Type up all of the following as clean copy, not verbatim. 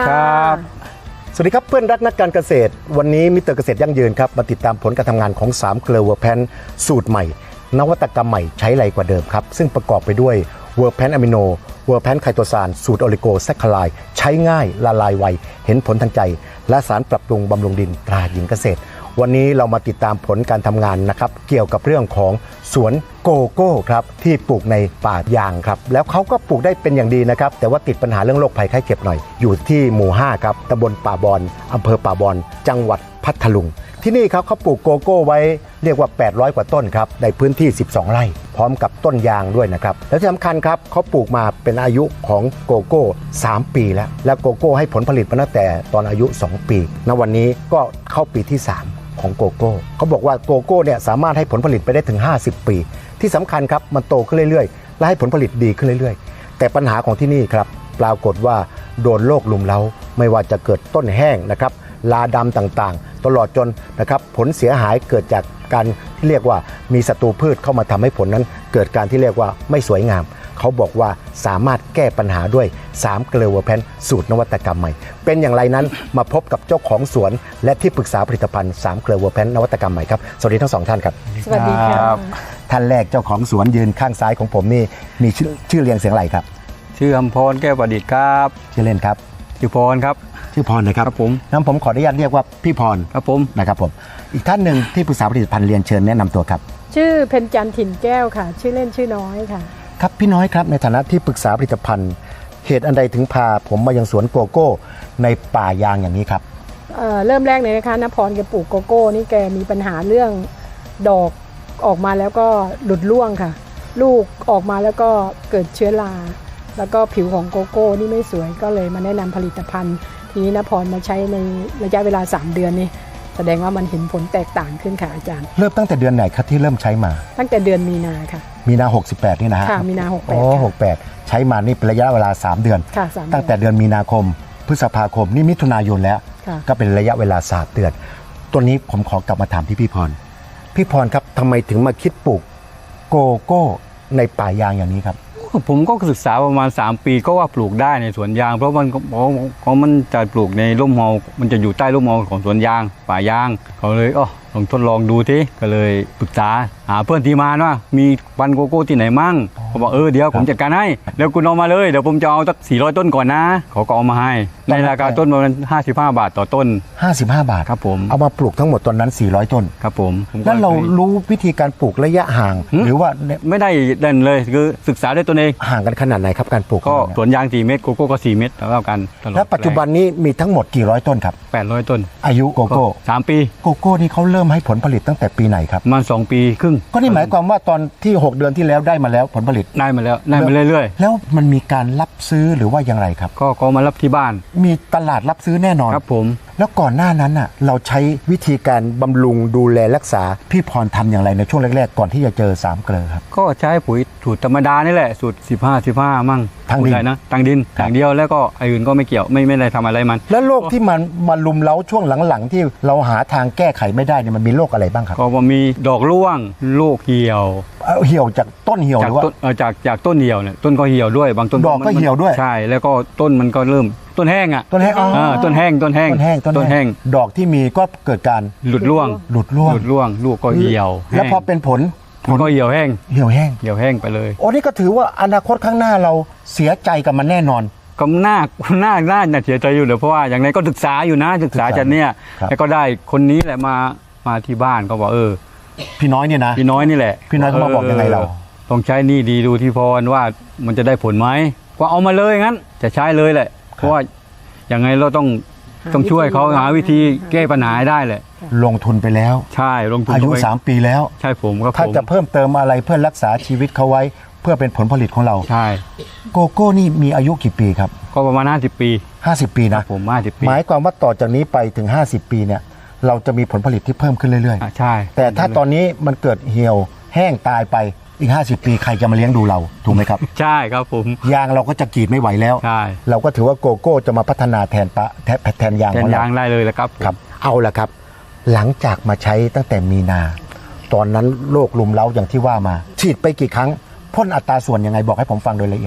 ครับสวัสดีครับเพื่อนรักนักการเกษตรวันนี้มิสเตอร์เกษตรยั่งยืนครับมาติดตามผลการทำงานของ3เกลือเวอร์แพนสูตรใหม่นวัตกรรมใหม่ใช้ไรกว่าเดิมครับซึ่งประกอบไปด้วยเวอร์แพนอะมิโนเวอร์แพนไคโตซานสูตรโอลิโกแซคคาไลด์ใช้ง่ายละลายไวเห็นผลทันใจและสารปรับปรุงบำรุงดินตราหญิงเกษตรวันนี้เรามาติดตามผลการทำงานนะครับเกี่ยวกับเรื่องของสวนโกโก้ครับที่ปลูกในป่ายางครับแล้วเขาก็ปลูกได้เป็นอย่างดีนะครับแต่ว่าติดปัญหาเรื่องโรคภัยไข้เจ็บหน่อยอยู่ที่หมู่5ครับตำบลป่าบอนอำเภอป่าบอนจังหวัดพัทลุงที่นี่ครับเขาปลูกโกโก้ไว้เรียกว่า800กว่าต้นครับในพื้นที่12ไร่พร้อมกับต้นยางด้วยนะครับและที่สำคัญครับเขาปลูกมาเป็นอายุของโกโก้3ปีแล้วโกโก้ให้ผลผลิตมาตั้งแต่ตอนอายุ2ปีณวันนี้ก็เข้าปีที่3ของโกโก้เขาบอกว่าโกโก้เนี่ยสามารถให้ผลผลิตไปได้ถึง50ปีที่สำคัญครับมันโตขึ้นเรื่อยๆและให้ผลผลิตดีขึ้นเรื่อยๆแต่ปัญหาของที่นี่ครับปรากฏว่าโดนโรคลุมเล้าไม่ว่าจะเกิดต้นแห้งนะครับลาดำต่างๆตลอดจนนะครับผลเสียหายเกิดจากการที่เรียกว่ามีศัตรูพืชเข้ามาทำให้ผลนั้นเกิดการที่เรียกว่าไม่สวยงามเขาบอกว่าสามารถแก้ปัญหาด้วย3เกลือเวอร์แพนสูตรนวัตกรรมใหม่เป็นอย่างไรนั้นมาพบกับเจ้าของสวนและที่ปรึกษาผลิตภัณฑ์3เกลือเวอร์แพนนวัตกรรมใหม่ครับสวัสดีทั้ง2ท่านครับสวัสดีครับท่านแรกเจ้าของสวนยืนข้างซ้ายของผมนี่มีชื่อเรียงเสียงอะไรครับชื่ออำพรแก้วประดิษฐ์ครับชื่อเล่นครับชื่อพรครับชื่อพรนะครับครับผมงั้นผมขออนุญาตเรียกว่าพี่พรครับผมนะครับผมอีกท่านหนึ่งที่ปรึกษาผลิตภัณฑ์เรียนเชิญแนะนำตัวครับชื่อเพ็ญจันทร์ถิ่นแก้วค่ะชื่อเล่นชื่อน้อยค่ะครับพี่น้อยครับในฐานะที่ปรึกษาผลิตภัณฑ์เหตุอันใดถึงพาผมมายังสวนโกโก้ในป่ายางอย่างนี้ครับเริ่มแรกเลยนะคะณพรแกปลูกโกโก้นี่แกมีปัญหาเรื่องดอกออกมาแล้วก็หลุดร่วงค่ะลูกออกมาแล้วก็เกิดเชื้อราแล้วก็ผิวของโกโก้นี่ไม่สวยก็เลยมาแนะนำผลิตภัณฑ์ทีนี้ณพรมาใช้ในระยะเวลา3เดือนนี่แสดงว่ามันเห็นผลแตกต่างขึ้นค่ะอาจารย์เริ่มตั้งแต่เดือนไหนครับที่เริ่มใช้มาตั้งแต่เดือนมีนาค่ะมีนา68นี่นะฮะค่ะมีนา68 โอ้68ใช้มานี่เป็นระยะเวลา3เดือนค่ะ3 ตั้งแต่เดือนมีนาคมพฤษภาคมนี่มิถุนายนแล้วก็เป็นระยะเวลา3เดือนตัวนี้ผมขอกลับมาถามที่พี่พรครับทำไมถึงมาคิดปลูกโกโก้ในป่ายางอย่างนี้ครับผมก็ศึกษาประมาณ3ปีก็ว่าปลูกได้ในสวนยางเพราะมันจะปลูกในร่มเงามันจะอยู่ใต้ร่มเงาของสวนยางป่ายางเขาเลยลองทดลองดูทีก็เลยปรึกษาหาเพื่อนที่มาว่ามีพันธุ์โกโก้ที่ไหนมั่งเขาบอกเดี๋ยวผมจัดการให้แล้วคุณเอามาเลยเดี๋ยวผมจะเอาสัก400ต้นก่อนนะเขาก็เอามาให้ในราคาต้นประมาณ55 บาทต่อต้น 55 บาทครับผมเอามาปลูกทั้งหมดตอนนั้น400ต้นครับผมแล้วเรารู้วิธีการปลูกระยะห่างหรือว่าไม่ได้เด่นเลยคือศึกษาด้วยตัวเองห่างกันขนาดไหนครับการปลูกก็สวนยาง4 เมตรโกโก้ก็4 เมตรเท่ากันแล้วปัจจุบันนี้มีทั้งหมดกี่ร้อยต้นครับ 800ต้นอายุโกโก้ 3 ปีโกโก้นี่เขาเริ่มให้ผลผลิตตั้งแต่ปีไหนครับมา2 ปีครึ่งก็นี่หมายความว่าตอนที่6เดือนที่แล้วได้มาแล้วผลผลิตได้มาเรื่อยๆแล้วมันมีการรับซื้อหรือว่าอย่างไรครับก็มารับที่บ้านมีตลาดรับซื้อแน่นอนครับผมแล้วก่อนหน้านั้นน่ะเราใช้วิธีการบำรุงดูแลรักษาพี่พรทำอย่างไรในช่วงแรกๆก่อนที่จะเจอ3เกลือครับก็ใช้ปุ๋ยสูตรธรรมดานี่แหละสูตร15มั่งทางดินนะทางดินอย่างเดียวแล้วก็อื่นก็ไม่เกี่ยวไม่ได้ทำอะไรมันแล้วโรคที่มันมาลุมเล้าช่วงหลังๆที่เราหาทางแก้ไขไม่ได้เนี่ยมันมีโรคอะไรบ้างครับก็มีดอกร่วงโรคเหี่ยวจากต้นเหี่ยวหรือว่าจากต้นเหี่ยวเนี่ยต้นก็เหี่ยวด้วยบางต้นดอกก็เหี่ยวด้วยใช่แล้วก็ต้นมันก็เริ่มต้นแห้งต้นแห้งดอกที่มีก็เกิดการหลุดร่วงลูกก็เหี่ยวแล้วพอเป็นผลก็เหี่ยวแห้งไปเลยโอ้นี่ก็ถือว่าอนาคตข้างหน้าเราเสียใจกับมันแน่นอนก็น่าเสียใจอยู่เลยเพราะว่าอย่างไรก็ศึกษาอยู่นะศึกษาจากเนี่ยแล้วก็ได้คนนี้แหละมาที่บ้านก็บอกพี่น้อยเนี่ยนะพี่น้อยนี่แหละพี่น้อยเขามาบอกยังไงเราต้องใช้นี่ดีดูที่พรว่ามันจะได้ผลไหมก็เอามาเลยงั้นจะใช้เลยแหละเพราะว่าอย่างไงเราต้องช่วยเขาหาวิธีแก้ปัญหาได้แหละลงทุนไปแล้วใช่ลงทุนอายุ3ปีแล้วใช่ผมก็ถ้าจะเพิ่มเติมอะไรเพื่อรักษาชีวิตเขาไว้เพื่อเป็นผลผลิตของเราใช่โกโก้นี่มีอายุกี่ปีครับก็ประมาณ50 ปี 50 ปีนะผม50 ปีหมายความว่าต่อจากนี้ไปถึง50 ปีเนี่ยเราจะมีผลผลิตที่เพิ่มขึ้นเรื่อยๆใช่แต่ถ้าตอนนี้มันเกิดเหี่ยวแห้งตายไปอีก50 ปีใครจะมาเลี้ยงดูเราถูกไหมครับใช่ครับผมยางเราก็จะกรีดไม่ไหวแล้วใช่เราก็ถือว่าโกโก้จะมาพัฒนาแทนยางของเราได้เลยแล้วครับเอาละครับหลังจากมาใช้ตั้งแต่มีนาตอนนั้นโรคลุมเล้าอย่างที่ว่ามาฉีดไปกี่ครั้งพ่นอัตราส่วนยังไงบอกให้ผมฟังโดยละเอียดเถอะ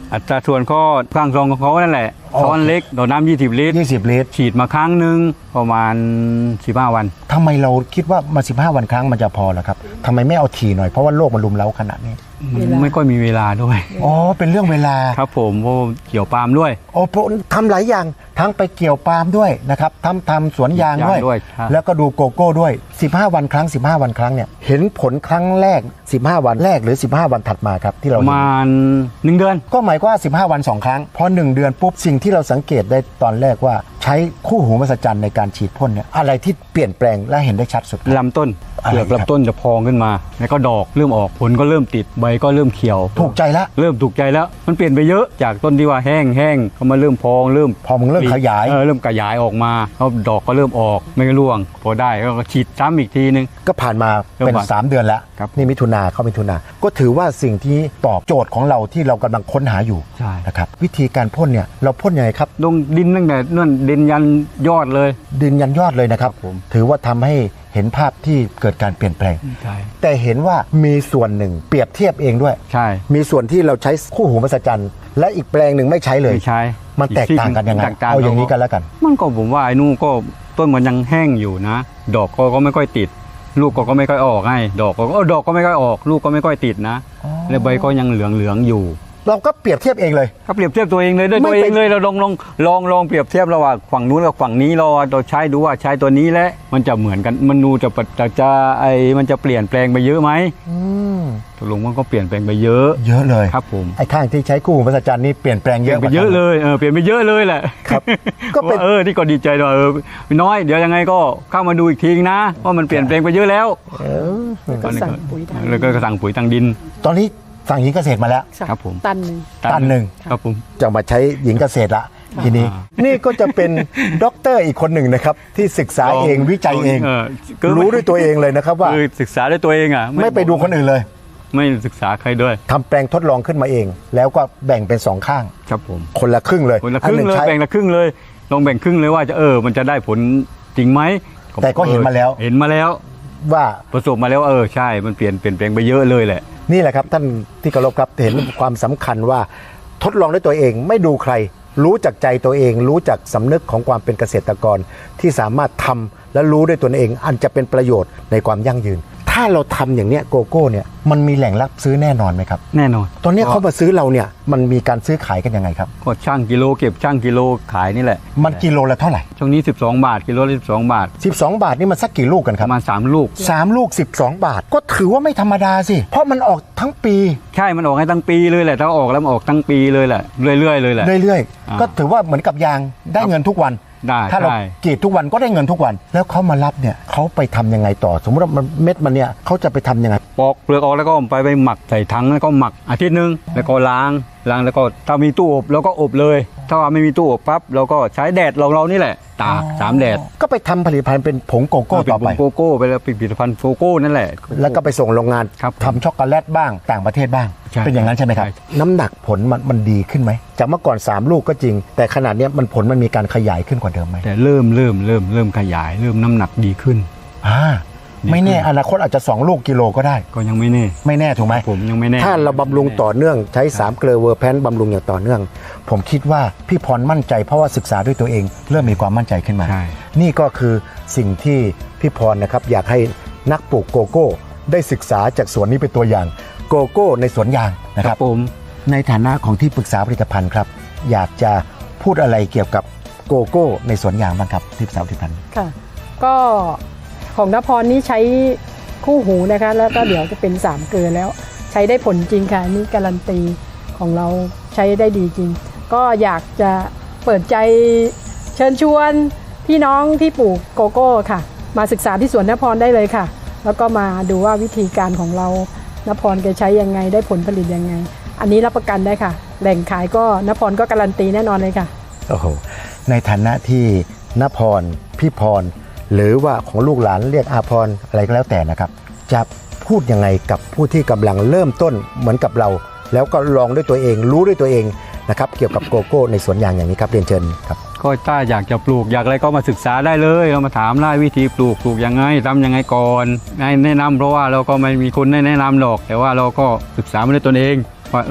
อัตราส่วนก็ข้างซองของเขานั่นแหละอ๋อช้อนเล็กต่อน้ำ20 ลิตร 20 ลิตรฉีดมาครั้งหนึ่งประมาณ15 วันทำไมเราคิดว่ามา15 วันครั้งมันจะพอเหรอครับทำไมไม่เอาถี่หน่อยเพราะว่าโลกมันลุมเล้าขนาดนี้เวลาไม่ค่อยมีเวลาด้วยอ๋อเป็นเรื่องเวลาครับผมเพราะเกี่ยวปาล์มด้วยโอ้ทำหลายอย่างทั้งไปเกี่ยวปาล์มด้วยนะครับทำสวนยางด้วยยางด้วยใช่แล้วก็ดูโกโก้ด้วย 15 วันครั้ง 15 วันครั้งเนี่ยเห็นผลครั้งแรก 15 วันแรกหรือ 15 วันถัดมาครับที่เราประเห็นมาณ1 เดือนก็หมายความว่า15 วัน 2 ครั้งพอ1 เดือนปุ๊บสิ่งที่เราสังเกตได้ตอนแรกว่าใช้คู่หูมหัศจรรย์ในการฉีดพ่นเนี่ยอะไรที่เปลี่ยนแปลงและเห็นได้ชัดสุดครับลำต้นอะไรเปลือกครับลำต้นจะพองขึ้นมา แล้วก็ดอกเริ่มออกผลก็เริ่มติดใบก็เริ่มเขียวถูกใจละเริ่มถูกใจแล้ว มันเปลี่ยนไปเยอะจากต้นที่ว่าแห้งก็มาเริ่มพองเริ่มพอมึงเริ่มขยายเริ่มขยายออกมาแล้วดอกก็เริ่มออกไม่ร่วง พอได้ก็ฉีดซ้ำอีกทีนึงก็ผ่านมาเป็นเริ่มผ่าน 3 เดือนแล้วครับนี่มิถุนาเข้ามิถุนาก็ถือว่าสิ่งที่ตอบโจทย์ของเราที่เรากำลังค้นหาอยู่ใช่นะครับวิธีการพ่นเนี่ยเราพ่นยังไงครับลงดินตั้งแต่นั่นดินยันยอดเลยดินยันยอดเลยนะครับครับผมถือว่าทำให้เห็นภาพที่เกิดการเปลี่ยนแปลงใช่แต่เห็นว่ามีส่วนหนึ่งเปรียบเทียบเองด้วยใช่มีส่วนที่เราใช้คู่หูมหัศจรรย์และอีกแปลงหนึ่งไม่ใช้เลยไม่ใช่มันแตกต่างกันยังไงแตกต่เอาอย่างนี้กันแล้วกันมันก็ผมว่าไอ้นู่นก็ต้นมันยังแห้งอยู่นะ ดอกก็ไม่ค่อยติด ลูกก็ไม่ค่อยออกไงดอกก็ไม่ค่อยออก ลูกก็ไม่ค่อยติดนะอ๋อแล้วใบก็ยังเหลืองอยู่เราก็เปรียบเทียบเองเลยก็เปรียบเทียบตัวเองเลยด้วยไม่ตัวเอเป็งนเลยเราลองเปรียบเทียบระหว่างฝั่งนู้นกับฝั่งนี้เราใช้ดูว่าใช้ตัวนี้แล้วมันจะเหมือนกันมันดูมันจะเปลี่ยนแปลงไปเยอะไหมอืมตกลงมันก็เปลี่ยนแปลงไปเยอะเยอะเลยครับผมไอ้ข้างที่ใช้คู่หูมหัศจรรย์นี่เปลี่ยนแปลงเปเยลี่ยอะนไปเยอะเลยเปลี่ยนไปเยอะเลยแหละครับ ก็เป็นว่านี่ก็ดีใจด้วยน้อยเดี๋ยวยังไงก็เข้ามาดูอีกทีนะว่ามันเปลี่ยนแปลงไปเยอะแล้วแล้วก็สั่งปุ๋ยทางแล้วก็สั่งปุ๋ยทางดินตอนนี้สั่งหญิงเกษตรมาแล้วครับผมตันหนึ่งตันหนึ่งครับผมจะมาใช้หญิงเกษตรละทีนี้ นี่ก็จะเป็นด็อกเตอร์อีกคนหนึ่งนะครับ ที่ศึกษาเองวิจัยเอง รู้ด้วยตัวเองเลยนะครับว่าคือศึกษาด้วยตัวเองอ่ะไม่ไปดูคนอื่นเลยไม่ศึกษาใครด้วยทำแปลงทดลองขึ้นมาเอง แล้วก็แบ่งเป็น2ข้างครับผมคนละครึ่งเลยคนละครึ่งอันหเลยใช้แบ่งละครึ่งเลยลองแบ่งครึ่งเลยว่าจะมันจะได้ผลจริงไหมแต่ก็เห็นมาแล้วเห็นมาแล้วว่าประสบมาแล้วใช่มันเปลี่ยนแปลงไปเยอะเลยแหละนี่แหละครับท่านที่เคารพครับเห็นความสำคัญว่าทดลองด้วยตัวเองไม่ดูใคร รู้จักใจตัวเอง รู้จักสำนึกของความเป็นเกษตรกรที่สามารถทำและรู้ด้วยตัวเอง อันจะเป็นประโยชน์ในความยั่งยืน ถ้าเราทำอย่างเนี้ยโกโก้เนี่ยมันมีแหล่งรับซื้อแน่นอนไหมครับแน่นอนตอนนี้เขามาซื้อเราเนี่ยมันมีการซื้อขายกันยังไงครับก็ช่างกิโลเก็บช่างกิโลขายนี่แหละมันกิโลละเท่าไหร่ช่วงนี้12 บาทกิโลละ12 บาท 12 บาทนี่มันสักกี่ลูกกันคปรับระมาณ3 ลูก 3 ลูก 12 บาท ก็ถือว่าไม่ธรรมดาสิเพราะมันออกทั้งปีใช่มันออกให้ทั้งปีเลยแหละถ้าออกแล้วมันออกทั้งปีเลยแหละเรื่อยๆเลยแหละเรื่อยอ่าๆก็ถือว่าเหมือนกับยางได้เงินทุกวันได้ถ้าเราใช่กรีดทุกวันก็ได้เงินทุกวัน แล้วเขามารับเนี่ยเขาไปทำยังไงต่อ สมมติว่ามันเม็ดมันเนี่ยเขาจะไปทำยังไงปอกเปลือกออกแล้วก็ไปหมักใส่ถังแล้วก็หมักอาทิตย์นึงแล้วก็ล้างแล้วก็ถ้ามีตู้อบเราก็อบเลย ถ้าว่าไม่มีตู้อบปั๊บเราก็ใช้แดดเรานี่แหละตาก3 แดดก็ไปทำผลิตภัณฑ์เป็นผงโกโก้ต่อไปเป็นโกโก้ไปแล้วเป็นผลิตภัณฑ์โกโก้นั่นแหละแล้วก็ไปส่งโรงงานครับทำช็อกโกแลตบ้างต่างประเทศบ้างใช่เป็นอย่างนั้นใช่ไหมครับใช่น้ำหนักผลมันดีขึ้นไหมจากเมื่อก่อน 3 ลูกก็จริง แต่ขนาดเนี้ยผลมันมีการขยายขึ้นกว่าเดิมไหมแต่เริ่มขยายเริ่มน้ำหนักดีขึ้นไม่แน่อนาคตอาจจะ2 ลูกกิโลก็ได้ก็ยังไม่แน่ไม่แน่ถูกไหมผมยังไม่แน่ถ้าเราบำรุงต่อเนื่องใช้3 เกลือเวอร์แพนบำรุงอย่างต่อเนื่อง ผมคิดว่าพี่พรมั่นใจเพราะว่าศึกษาด้วยตัวเอง เริ่มมีความมั่นใจขึ้นมาใช่นี่ก็คือสิ่งที่พี่พรนะครับอยากให้นักปลูกโกโก้ได้ศึกษาจากสวนนี้เป็นตัวอย่างโกโก้ในสวนยางนะคครัรับบ ผมในฐานะของที่ปรึกษาผลิตภัณฑ์ครับอยากจะพูดอะไรเกี่ยวกับโกโก้ในสวนยางบ้างครับที่ปรึกษาผลิตภัณฑ์ค่ะ ก็ของนพรนี่ใช้คู่หูนะคะ แล้วก็เดี๋ยวจะเป็น3 เกลือแล้ว ใช้ได้ผลจริงค่ะอันนี่การันตีของเราใช้ได้ดีจริง ก็อยากจะเปิดใจเชิญชวนพี่น้องที่ปลูกโกโก้ค่ะ มาศึกษาที่สวนนพรได้เลยค่ะ แล้วก็มาดูว่าวิธีการของเรานพรแกใช้ยังไงได้ผลผลิตยังไง อันนี้รับประกันได้ค่ะ แหล่งขายก็นพรก็การันตีแน่นอนเลยค่ะโอ้โหในฐานะที่ณพรพี่พรหรือว่าของลูกหลานเรียกอาพรอะไรก็แล้วแต่นะครับจะพูดยังไงกับผู้ที่กำลังเริ่มต้นเหมือนกับเรา แล้วก็ลองด้วยตัวเองรู้ด้วยตัวเองนะครับเกี่ยวกับโกโก้ในสวนยางอย่างนี้ครับเรียนเชิญครับก็ถ้าอยากจะปลูกอยากอะไรก็มาศึกษาได้เลยเรามาถามได้วิธีปลูกยังไงทำยังไงก่อนแนะนำเพราะว่าเราก็ไม่มีคนแนะนำหรอก แต่ว่าเราก็ศึกษามาด้วยตนเองว่า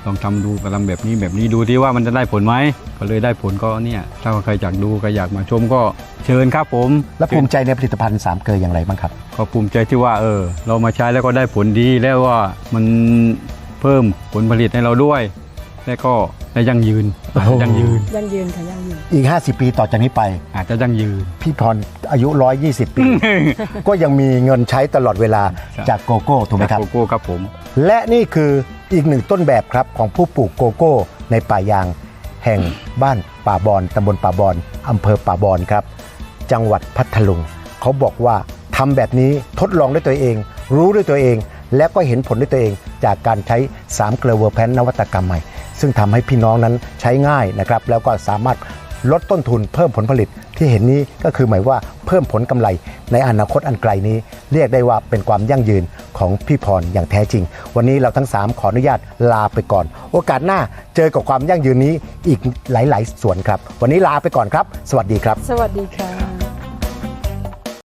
ลองทำดูก็ทำแบบนี้ดูที่ว่ามันจะได้ผลไหมก็เลยได้ผลก็เนี่ยถ้าใครอยากดูใครอยากมาชมก็เชิญครับผมและภูมิใจในผลิตภัณฑ์3เกลืออย่างไรบ้างครับก็ภูมิใจที่ว่าเรามาใช้แล้วก็ได้ผลดีแล้วว่ามันเพิ่มผลผลิตให้เราด้วย และก็ได้ยั่งยืนโอ้โหยั่งยืนค่ะยั่งยืนอีก 50 ปีต่อจากนี้ไปอาจจะยั่งยืนพี่พรอายุ 120 ปี ก็ยังมีเงินใช้ตลอดเวลาครับจากโกโก้ถูกไหมครับโกโก้ครับผมและนี่คืออีกหนึ่งต้นแบบครับของผู้ปลูกโกโก้ในป่ายางแห่งบ้านป่าบอนตำบลป่าบอนอำเภอป่าบอนครับ จังหวัดพัทลุงเขาบอกว่าทำแบบนี้ทดลองด้วยตัวเอง รู้ด้วยตัวเอง และก็เห็นผลด้วยตัวเอง จากการใช้3เกลือเวอร์แพนนวัตกรรมใหม่ ซึ่งทำให้พี่น้องนั้นใช้ง่ายนะครับแล้วก็สามารถลดต้นทุนเพิ่มผลผลิตที่เห็นนี้ก็คือหมายว่าเพิ่มผลกำไรในอนาคตอันไกลนี้ เรียกได้ว่าเป็นความยั่งยืนของพี่พรอย่างแท้จริง วันนี้เราทั้ง3ขออนุญาตลาไปก่อน โอกาสหน้าเจอกับความยั่งยืนนี้อีกหลายๆส่วนครับ วันนี้ลาไปก่อนครับ สวัสดีครับสวัสดีค่ะ